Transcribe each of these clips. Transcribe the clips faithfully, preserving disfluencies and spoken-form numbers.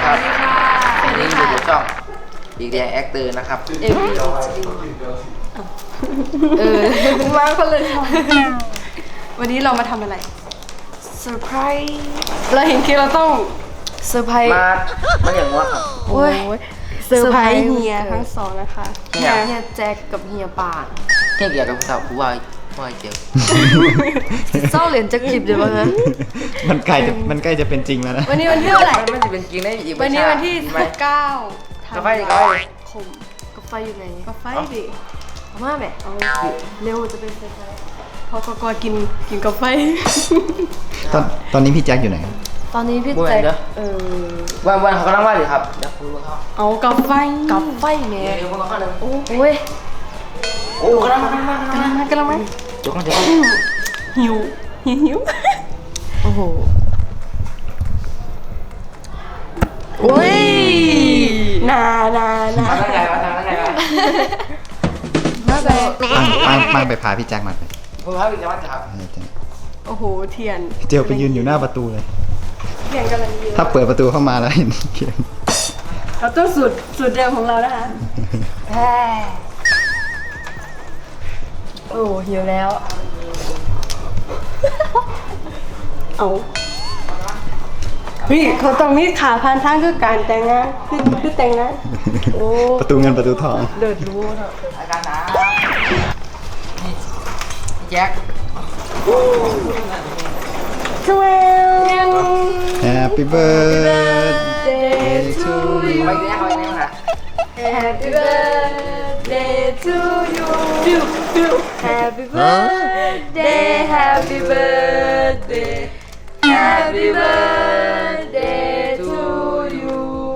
ครับวันนี้อยู่กับช่องอีกแดงแอคเตอร์นะครับเอวีเออมาคนเลยวันนี้เรามาทำอะไรเซอร์ไพรส์เราเห็นคิดเราต้องเซอร์ไพรส์มามาอย่างว่าครับโอ้ยเซอร์ไพรส์เฮียทั้งสองนะคะเฮียเฮียแจ็คกับเฮียป่านเฮียเกี่ยวกับสาวผู้ว่าว่าเจียวเศร้าเหรียญจะคลิปเดี๋ยวมั้งมันใกล้จะมันใกล้จะเป็นจริงแล้วนะวันนี้วันที่เท่าไหร่มันจะเป็นจริงได้อีกวันนี้วันที่เก้ากับไฟกับไฟคมกับไฟอยู่ไหนกับไฟดิเอามาแบบเอาเร็วจะเป็นเซอร์ไพรส์พอกอกกินกินกับไฟตอนตอนนี้พี่แจ็คอยู่ไหนตอนนี้พี่แจ็คเออวันวันเขากำลังว่าหรือครับเดี๋ยวคุณรู้เขาเอากับไฟกับไฟแม่เดี๋ยวคนละข้อหนึ่งโอ้ยโอ้กำลังมากำลังมากำลังมากำลังมาเดี๋ยวก่อนเดี๋ยวหิวหิวหิวโอ้โหโอ้ยนานานาทำยังไงวะทำยังไงวะมาไปปังปังไปพาพี่แจ็คมาไปผมพาพี่แจ็คมาจับโอ้โหเทียนเจียวไปยืนอยู่หน้าประตูเลยเทียนกำลังยืนถ้าเปิดประตูเข้ามาแล้วเห็นเทียนเราต้องสูตรสูตรเดิมของเรานะคะแฮ่โอ้หิวแล้วเอาพี่เขาต้องมีขาพันทางคือการแต่งงานคือคือแต่งงานโอ้ประตูเงินประตูทองเดือดรู้เถอะอาการนะนี่แจ็คทเวล Happy birthday to you ไปแจ็คไปแจ็คนะ Happy birthday to you Happy birthday Happy birthday Happy birthday to you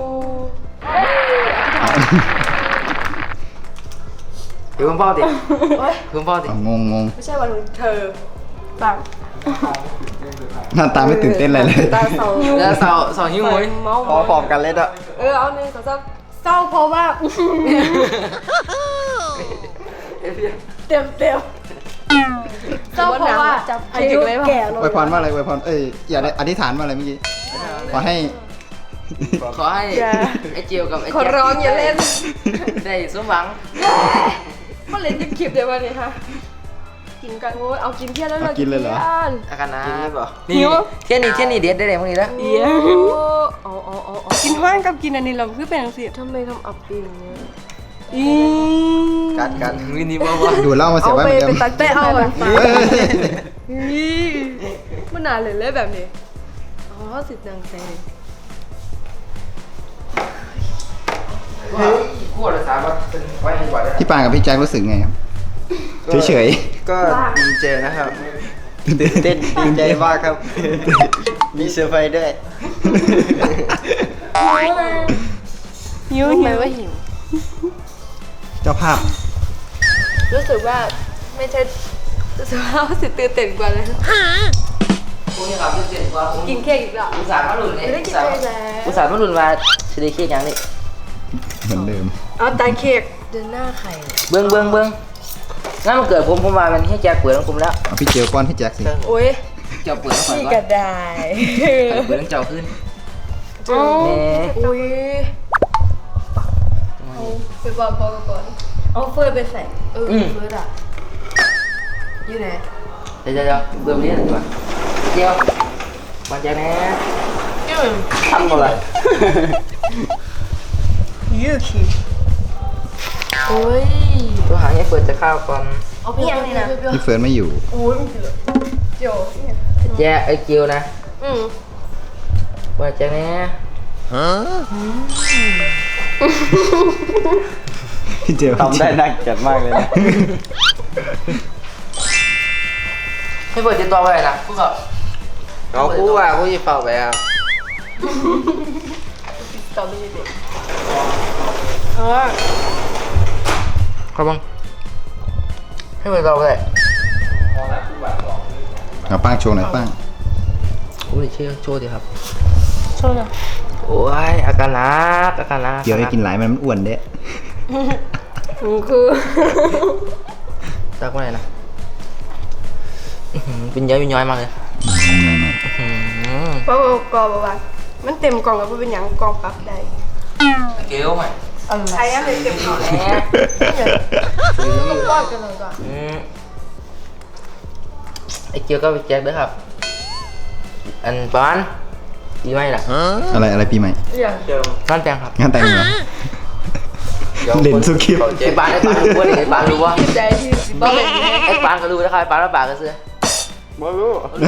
เดี๋ยวคุณพ่อดิคุณพ่อดิงงงงไม่ใช่วันเธอปังหน้าตาไม่ตื่นเต้นอะไรเลยตาเศร้าแล้วเศร้าเศร้าหิ้วมุ้ยพอปอบกันเลยอ่ะเออเอาหนึ่งสองสามเศร้าเพราะว่าเต็มเต็มเศร้าเพราะว่าอายุแก่ลงอวยพรว่าอะไรอวยพรเอ้ยอย่าได้อธิษฐานว่าอะไรเมื่อกี้ขอให้ขอให้ไอ้เจียวกับไอ้ขอร้องอย่าเล่นได้สมหวังก็เล่นจะคลิปเดี๋ยววันนี้ค่ะกินกันโว้ยเอากินเที่ยงแล้วเรากินเลยเหรออาการนะนี่เที่ยงนี้เที่ยงนี้เด็ดได้เลยพวกนี้แล้วเดี๋ยวอ๋ออ๋ออ๋อกินห้างกับกินอันนี้เราคือเป็นสิทำไมทำอับปีนเนี่ยอีกัดกันวินี่บ้าบ้าดูเล่ามาเสียว่าไปไปตักเต้เอาอ่ะมันนานเลยเลยแบบนี้อ๋อสิดังแซ่เฮ้ยคู่ละสามวันเป็นไว้ให้กว่าได้พี่ปางกับพี่แจ็ครู้สึกไงครับเฉยๆก็ดีใจนะครับตื่นเต้นดีใจมากครับมีเซอร์ไพรส์ด้วยหิวหิวว่าหิวเจ้าภาพรู้สึกว่าไม่ใช่รู้สึกว่าสิตื่นเต้นกว่าเลยพวกนี้ครับตื่นเต้นกว่ากินเค้กอีกแล้วอุตส่าห์มาหลุดเลยไม่ได้กินเค้กแล้วอุตส่าห์มาหลุดมาจะได้เค้กอย่างนี้เหมือนเดิมเอาตาเค้กเดินหน้าไข่เบิ้งเบิ้งเบิ้งงั้นมันเกิดผมผมมามันให้แจ็คเปิดของผมแล้วเอาพี่เจียวป้อนพี่แจ็คสิโอ้ยเจ้าเปิดก่อนนี่ก็ได้เปิดต้องเจ้าขึ้นโอ้ยโอ้ยไปบอกก่อนก่อนเอาเฟิร์สไปใส่เออเฟิร์สอ่ะอยู่ไหนเดี๋ยวเดี๋ยวเบิ่มนี้ดีกว่าเจียวมาแจ็คนะทำอะไรยืดขี้โอ้ยตัวหางให้เปิดจะข้าวก่อนเอาพี่ยังนี่นะพี่เฟิร์นไม่อยู่โอ้ยมันเดือดเจียวแจ็คไอ้เจียวนะอืมมาแจ็คนะฮะพี่เจียวทำได้น่าเกลียดมากเลยนะให้เปิดติดต่อไปนะพวกเขาเราคู่อ่ะคู่ยี่เป่าไปอ่ะติดต่อไม่ได้เออครับบังให้เปิดต่อไปเอาป้างโชว์หน่อยป้างโอ้ยเชี่ยวโชว์ดิครับโชว์หน่อยโอ้ยอาการนักอาการนักเดี๋ยวให้กินหลายมันมันอ้วนเด้คือตักว่าไงนะเป็นย้อยเป็นย้อยมากเลยป้ากรอบบ้างมันเต็มกล่องแล้วเป็นอย่างกล่องปรับได้เกลียวไหมใครงั้นเลยเต็มกล่องแหมต้องรอดกันเลยก่อนอืมไอ้เกียวก็ไปแจ็คด้วยครับ อันประมาณปีใหม่ล่ะอะไรอะไรปีใหม่อย่างเจิมงานแต่งครับงานแต่งเหรอ เล่นสุคลิปไอ้ปานไอ้ปานรู้ว่าไอ้ปานรู้ว่าคิดใจที่สิบเปอร์เซ็นต์ไอ้ปานก็รู้นะครับไอ้ปานว่าปากก็เสื้อบ่รู้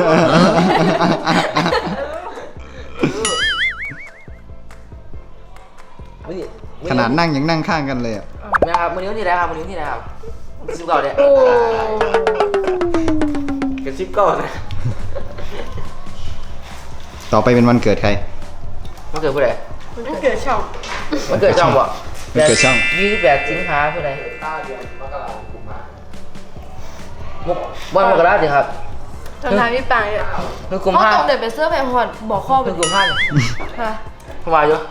ขนาดนั่งยังนั่งข้างกันเลยอ่ะไม่ครับมือนิ้วที่ไหนครับมือนิ้วที่ไหนครับสิบเก้าเนี่ยโอ้กระซิบก่อนนะต่อไปเป็นวันเกิดใครมันเกิดผู้ใดมันเกิดช่องมันเกิดช่องบ่มันเกิดช่องยี่สิบแปดสิงหาผู้ใดมุกวันมกราสิครับทำทางพี่ปางเนี่ยคือกลุ่มเขาห้าต้องเดินไปเสื้อแพงหอดบอกข้อไปคือกลุ่มห้าค่ะเข้ามาอยู่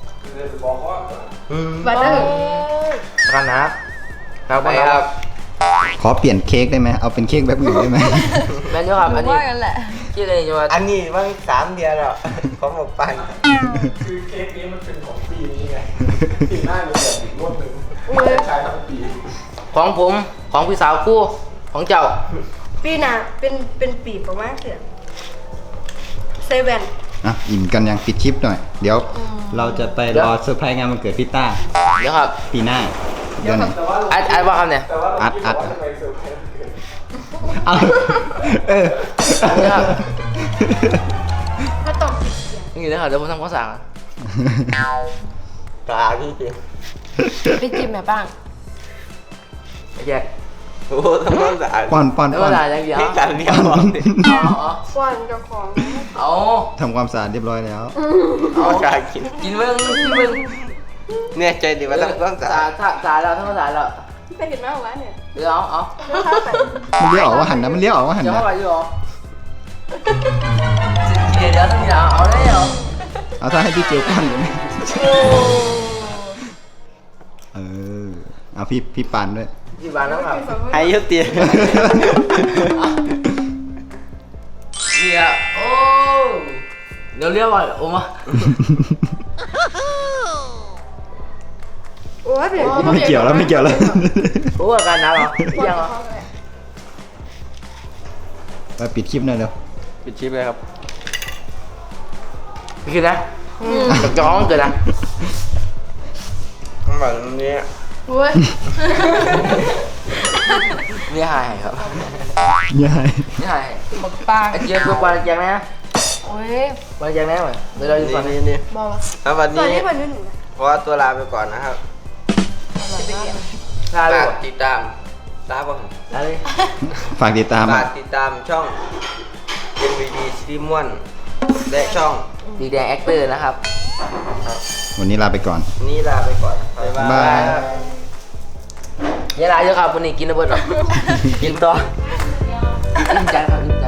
บัตรได้กันนะครับไปครับขอเปลี่ยนเค้กได้ไหมเอาเป็นเค้กแบบอื่นได้ไหมแม่นอยู่ครับหนูอันนี้ว่ากันแหละชื่ออะไรจะว่าอันนี้มันสามเดือนแล้วของหมกปันคือเค้กนี้มันเป็นของปีนี้ไงปีหน้ามันแบบอีกงวดหนึ่งอุ้ยใช้ทั้งปีของผมของพี่สาวคู่ของเจ้าปีหน้าเป็นเป็นปีประมาณเดือนเซเว่นอ่ะอิ่มกันยังปิดคลิปหน่อย เดี๋ยว เราจะไปรอเซอร์ไพรส์งานวันเกิดพี่ต้าเดี๋ยวครับปีหน้าเดี๋ยวไหนแต่ว่าอัดอัดว่าคำเนี่ยแต่ว่าเราอัดคิดอัดว่าทำไมเซอร์ไพรส์มันเกิดเอาเออเดี๋ยวครับก็ต้องนี่นะครับเดี๋ยวผมทำข้าวสารตาพี่จริงไปจิ้มแม่บ้างไอ้แยกโอ้ทำความสะอาดป้อนป้อนแล้วป้อเวน ลาอย่างเดียวให้การเรียกบอกดิเอาควันเจ้าของเอาทำความสะอาดเรียบร้อยแล้วเอาการกินกินเบิ้งกินเบิ้งเนี่ยใจดีว่าต้องต้องสะสาอาดสาสาแล้วทั้งสาแล้วไปเห็นมากวะเนี่ยเดี๋ยวเอาเอาเดี๋ยวข้าไปมันเลี้ยวออกว่าหันนะมันเลี้ยวออกว่าหันเดี๋ยวนะเข้าไปอยู่หรอเดี๋ยวเดี๋ยวต้องมีเอาเอาได้เหรอเอาถ้าให้พี่เจียวป้อนเลยไหมเออเอาพี่พี่ปานด้วยกี่บาทแล้วครับให้ยุตินี่อ่ะโอ้เดี๋ยวเรียกว่าโอ้มาโอ้ยเปลี่ยนไม่เกี่ยวแล้วไม่เกี่ยวแล้วโอ้อาการหนาวเหรอยังเหรอไปปิดคลิปหน่อยเร็วปิดชิปเลยครับพี่คิดนะกับจ้องเกิดนะแบบนี้โอ้ยนี่หายครับยายนี่หายบักปางไอ้เจี๊ยบตัวปลาแจงนะโอ้ยปลาแจงนะเหมือนเดี๋ยวเราอยู่นี่ก่อนนี่นี่บอกว่าแล้ววันตอนนี้นี้มันนู่นหนูนะเพราะว่าตัวลาไปก่อนนะครับลาเลยฝากติดตามลาบ่ลาเลยฝากติดตามฝาอ่ะกติดตามช่อง เอ็น วี ดี ซีรีส์ม่วนและช่องดีแดงแอคเตอร์นะครับวันนี้ลาไปก่อนนี้ลาไปก่อนบ๊ายบาบ๊ายบายยเยลาเยอะครับวันนี้กินระเบิดหรอ กินต่ออิ่มใจครับอิ่มใจ